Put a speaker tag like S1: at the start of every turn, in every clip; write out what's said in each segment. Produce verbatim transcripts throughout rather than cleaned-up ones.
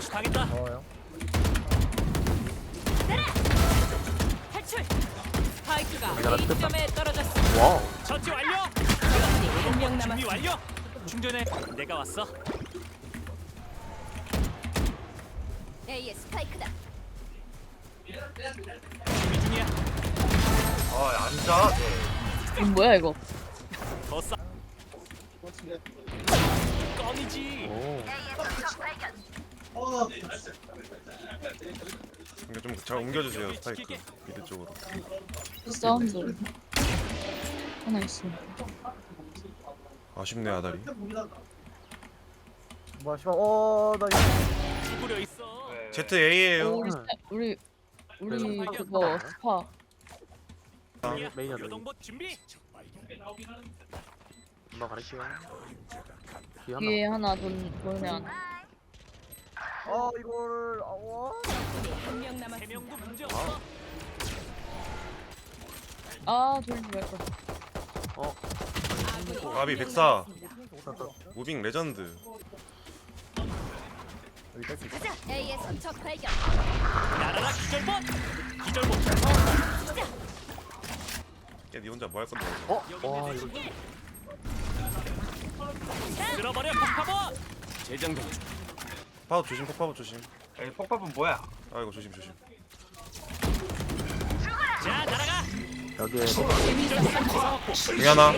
S1: 암부시 당했다.
S2: 어요.
S3: 탈출. 스파이크가
S2: 내가 나
S3: A점에 떨어졌습니다.
S2: 와우.
S1: 처치 완료.
S3: 적군이 한 명
S1: 준비
S3: 남았습니다.
S1: 완료. 충전해. 내가 왔어.
S3: A의 스파이크다.
S1: 준비 중이야.
S2: 아 앉아.
S4: 이거 뭐야 이거?
S1: 더 싸. 껌이지.
S2: 오.
S5: 이거 좀 잘 옮겨주세요 스파이크 미드 쪽으로.
S4: 사운드 하나 있어.
S5: 아쉽네 아다리.
S2: 뭐야 씨발. 어나
S1: 구부려 있어.
S5: 제트 A예요.
S4: 우리 스파- 우리 우리 그거 스파.
S1: 야,
S2: 메인이야, 메인.
S1: 교동봇 준비.
S2: 엄마 가르치고. 뒤에 하나.
S4: 뒤에 하나 돈 돈에
S2: 아 이거를 아와.
S3: 한 명
S1: 세
S3: 남았습니다.
S1: 명도 문제 없어.
S4: 아 돌리지 말걸.
S3: 아군이
S5: 가비
S3: 한명
S5: 백사.
S3: 남았습니다.
S5: 무빙 레전드.
S2: 여기 뺄수 있어.
S3: 가자. A의 선척 발견.
S1: 날아라 기절봇. 기절봇.
S5: 야니 혼자 뭐 할 건데?
S2: 어?
S1: 여기
S2: 와
S1: 내
S2: 이거.
S1: 쓸어버려 폭파봇. 재장전 중.
S5: 파워 조심 폭파워 조심.
S6: 에이, 폭밥은 뭐야?
S5: 아이고 조심 조심.
S1: 자 날아가.
S2: 여기에
S5: 중 하나.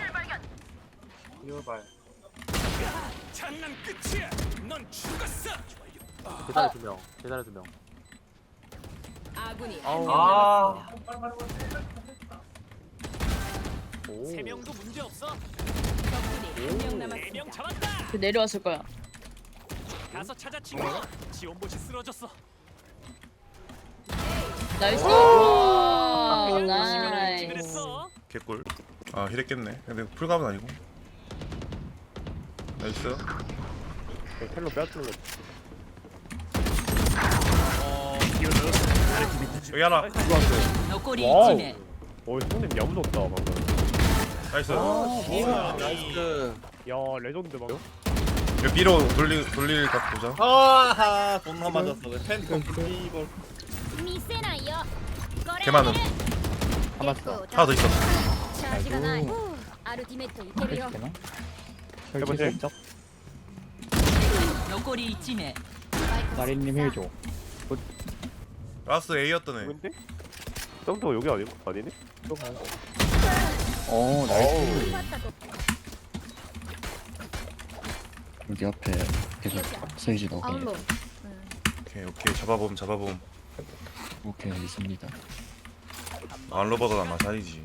S6: 이거 봐요.
S1: 장난 끝이야. 넌 죽었어.
S2: 계단에 두 명. 계단에 두 명.
S3: 아군이
S2: 아우.
S3: 한 명
S6: 아,
S3: 남았습니다.
S2: 오.
S1: 세 명도 문제 없어.
S3: 적군이 한 명
S1: 네
S3: 남았습니다.
S1: 명 잡았다.
S4: 그 내려왔을 거야.
S1: 가서 찾아 친구. 지원봇이 쓰러졌어.
S4: 나이스.
S2: 아,
S4: 와,
S1: 나이스.
S4: 나이스.
S5: 개꿀. 아 힐했겠네. 근데 풀갑은 아니고. 나이스.
S2: 텔로 빼앗는 거.
S1: 어, 기어들었어.
S5: 여기 하나.
S3: 너꼬리
S2: 와우.
S3: 팀에
S2: 오 형님 야무졌다 방금.
S5: 나이스.
S6: 나이스.
S2: 야 레전드 방금.
S5: 여기 B로 돌리 돌릴 각 보자.
S6: 아하, 존나 맞았어. 팬텀 이걸.
S3: 미세나요.
S5: 개 많음.
S2: 하나씩.
S5: 하나 더 있어.
S3: 차지가 나이. 아르티메트 이케비요.
S2: 해보세요.
S3: 너꼬리 팀에
S7: 마린님 힐줘.
S5: 라스 A였던 애.
S2: 누군데? 썸도 여기 아니고 아니네?
S7: 어, 나이스. 여기 앞에 계속 세이지 넣게.
S5: 오케이 오케이 잡아봄 잡아봄.
S7: 오케이, 있습니다.
S5: 안로버가 마샬이지.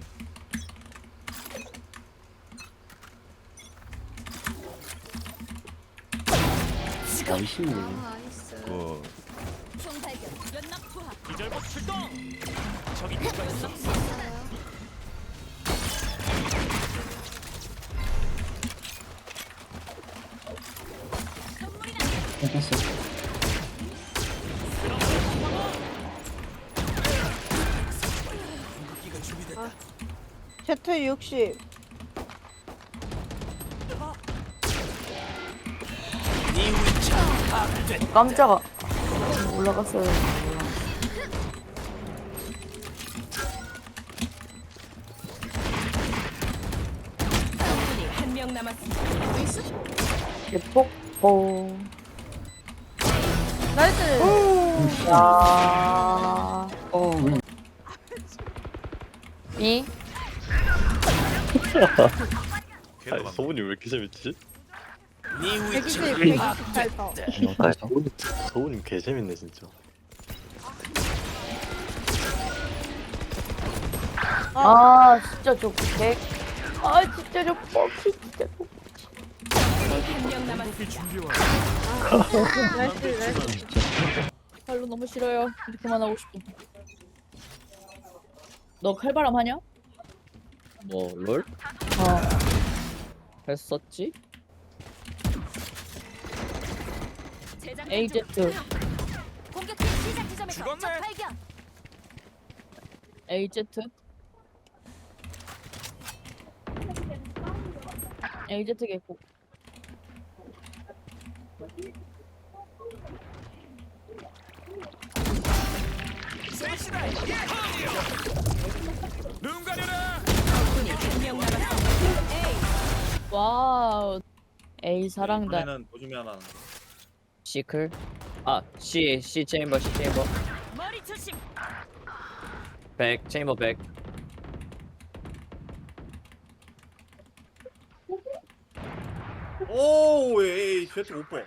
S7: 나이스.
S5: 그
S3: 총발견. 연막 투하.
S1: 기절봇 출동. 저기 누가 있어?
S7: 뺐어.
S8: 제트 육십.
S1: 네 위치 파악됐다.
S8: 깜짝아. 올라갔어요.
S3: 적군이 한 명 남았습니다.
S8: 예폭포. 나이스. 야.
S7: 어, 왜?
S8: 이.
S5: 걔도 많네.
S2: 소문이 왜 이렇게 재밌지?
S1: 네 위치
S8: 백이십, 백이십팔 더.
S7: 아,
S2: 소문이 개 재밌네 진짜.
S8: 아 진짜 저 백. 아 진짜 저 뻑이 진짜.
S3: 한 명 남았습니다.
S8: 나이스 나이스.
S4: 발로 너무 싫어요. 이제 그만하고 싶어. 너 칼바람 하냐?
S7: 뭐, 롤?
S4: 어. 했었지?
S3: 제작
S4: 에이제트.
S3: 공격팀 시작 지점에서
S1: 죽었네.
S3: 적 발견.
S4: 에이제트. 에이제트 개코.
S1: 셋이다. 예! 눈 가려라.
S3: 적군이 한 명 남았습니다. 에이.
S4: 와우. 에이 사랑단.
S6: 이번에는 조심해야 하나.
S7: 시클. 아, C C 체인버 C 체인버.
S3: 머리 조심.
S7: 백 체인버 백.
S6: 오, 에이, 제트 오퍼.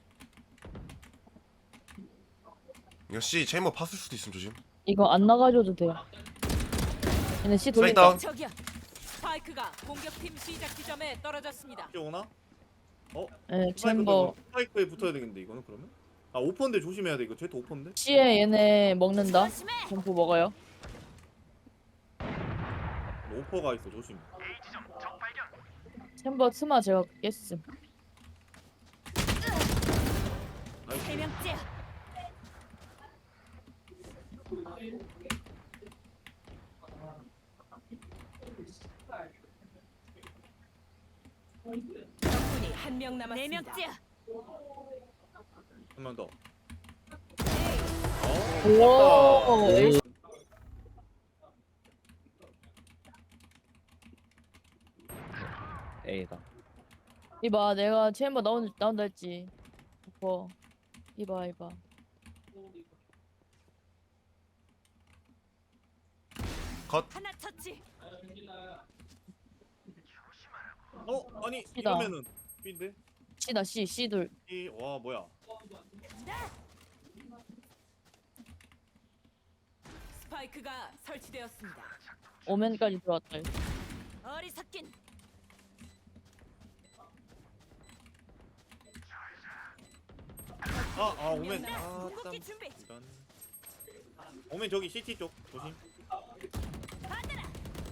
S5: 이거 C 체인버 팠을 수도 있음 조심.
S4: 이거 안 나가줘도 돼요. 얘네 C
S5: 스파이크
S4: 돌린다.
S5: 다운.
S3: 저기요. 스파이크가 공격팀 시작 지점에 떨어졌습니다.
S6: 이제 오나? 어?
S4: 예,
S6: 스파이크도
S4: 챔버.
S6: 스파이크에 붙어야 되겠는데 이거는 그러면? 아 오퍼인데 조심해야 돼. 이거 제트 오퍼인데?
S4: C에 얘네 먹는다.
S3: 조심해.
S4: 점프 먹어요.
S6: 오퍼가 있어. 조심.
S4: 챔버 스마 제가 깼음.
S3: 세 명째. 적군이 한 명 남았습니다. 네 명째.
S6: 한 명 더.
S4: 오. 에이.
S7: A다.
S4: 이봐 내가 챔버 나온 나온다 했지. 오퍼. 이봐 이봐.
S5: 컷.
S3: 하나 터치.
S6: 어? 아니
S4: C다.
S6: 이러면은 B인데?
S4: C다 C C 돌.
S6: 이, 와 뭐야?
S3: 스파이크가 설치되었습니다.
S4: 오면까지 들어왔다.
S3: 어리석긴.
S6: 아, 아 오멘. 아, 땀.
S3: 궁극기 준비.
S6: 이런. 오멘 저기 씨티 쪽 조심.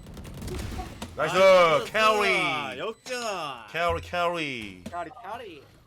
S5: 나이스
S6: 아,
S5: 캐리.
S6: 역전아.
S5: 캐리 캐리.
S6: 캐리 캐리.